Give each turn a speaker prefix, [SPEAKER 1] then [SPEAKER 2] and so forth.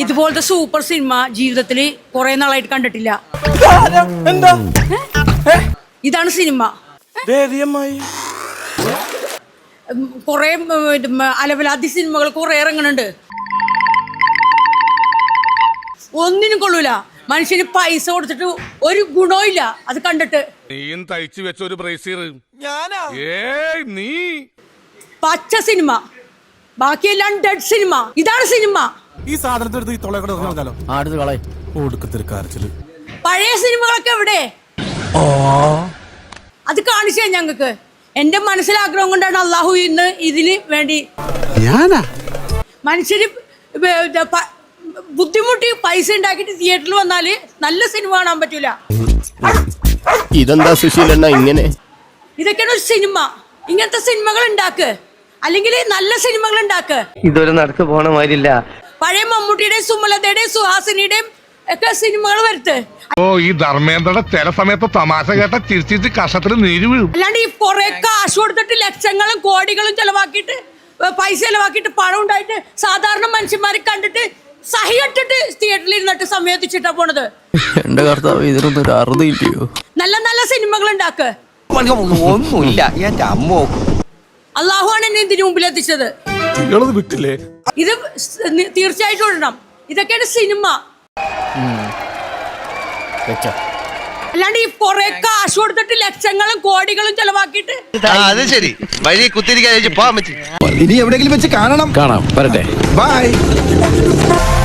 [SPEAKER 1] ഇതുപോലത്തെ super cinema ജീവിതത്തിൽ കുറെ നാളായിട്ട് കണ്ടിട്ടില്ല.
[SPEAKER 2] എന്താ
[SPEAKER 1] ഇതാണ് സിനിമ. കുറെ അലവലാതി സിനിമകൾ കുറെ ഇറങ്ങുന്നുണ്ട്. ഒന്നിനും കൊള്ളൂല. മനുഷ്യന് പൈസ കൊടുത്തിട്ട് ഒരു ഗുണവും ഇല്ല അത് കണ്ടിട്ട്.
[SPEAKER 3] നീയും തയ്ച്ചു വെച്ച ഒരു ബ്രേസിയർ നീ
[SPEAKER 1] പച്ച സിനിമ, ബാക്കിയെല്ലാം ഡെഡ് സിനിമ. ഇതാണ് സിനിമ.
[SPEAKER 2] ഈ സാധനത്തെ
[SPEAKER 1] പഴയ സിനിമകളൊക്കെ എവിടെ? അത് കാണിച്ചു ഞങ്ങൾക്ക്. എന്റെ മനസ്സിലാഗ്രഹം കൊണ്ടാണ് അള്ളാഹു ഇന്ന് ഇതിന് വേണ്ടി മനുഷ്യര് ബുദ്ധിമുട്ടി പൈസ ഉണ്ടാക്കിട്ട് തിയേറ്ററിൽ വന്നാല് നല്ല സിനിമ കാണാൻ പറ്റൂല.
[SPEAKER 4] ഇതെന്താ സുശീലണ്ണ ഇങ്ങനെ?
[SPEAKER 1] ഇതൊക്കെയാണ് ഒരു സിനിമ. ഇങ്ങനത്തെ സിനിമകൾ ഉണ്ടാക്ക്, അല്ലെങ്കിൽ നല്ല സിനിമകൾ ഉണ്ടാക്ക്.
[SPEAKER 5] ഇതൊരു നടക്ക് പോണ മാതിരില്ല.
[SPEAKER 1] പഴയ മമ്മൂട്ടിയുടെയും സുമലതയുടെയും സുഹാസിനിയുടെയും ഒക്കെ സിനിമകൾ വരുത്ത്.
[SPEAKER 3] ഓ ഈ ധർമ്മേന്ദ്രയുടെ ചില സമയത്ത് തമാശ കേട്ട ചിരിച്ചിട്ട് കഷത്തിൽ നീര് വീഴും.
[SPEAKER 1] അല്ലാണ്ട് ഈ കുറെ കാശ് കൊടുത്തിട്ട് ലക്ഷങ്ങളും കോടികളും ചെലവാക്കിയിട്ട് പൈസ ചെലവാക്കിയിട്ട് പണം ഉണ്ടായിട്ട് സാധാരണ മനുഷ്യന്മാരെ കണ്ടിട്ട് സഹികെട്ടിട്ട് തിയേറ്ററിൽ ഇരുന്നിട്ട് സമയത്തിച്ചിട്ടാ പോണത്.
[SPEAKER 4] എന്റെ കർത്താവ് ഇതിനൊന്നും ഒരു അറുതില്ലയോ?
[SPEAKER 1] നല്ല നല്ല സിനിമകൾ ഉണ്ടാക്ക്.
[SPEAKER 5] ഒന്നുമില്ല എന്റെ അമ്മോ.
[SPEAKER 1] അള്ളാഹുവാണ് എന്നെ ഇതിന് മുമ്പിൽ എത്തിച്ചത്.
[SPEAKER 2] വിട്ടില്ലേ?
[SPEAKER 1] ഇത് തീർച്ചയായിട്ടും ഇടണം. ഇതൊക്കെയാണ് സിനിമ. അല്ലാണ്ട് ഈ കുറെ കാശ് കൊടുത്തിട്ട് ലക്ഷങ്ങളും കോടികളും ചെലവാക്കിയിട്ട്.
[SPEAKER 5] അത് ശരി, വഴി കുത്തിരിക്കാൻ പോകാൻ പറ്റി.
[SPEAKER 6] ഇനി എവിടെയെങ്കിലും വെച്ച് കാണാം.
[SPEAKER 4] കാണാം, വരട്ടെ.
[SPEAKER 6] ബൈ.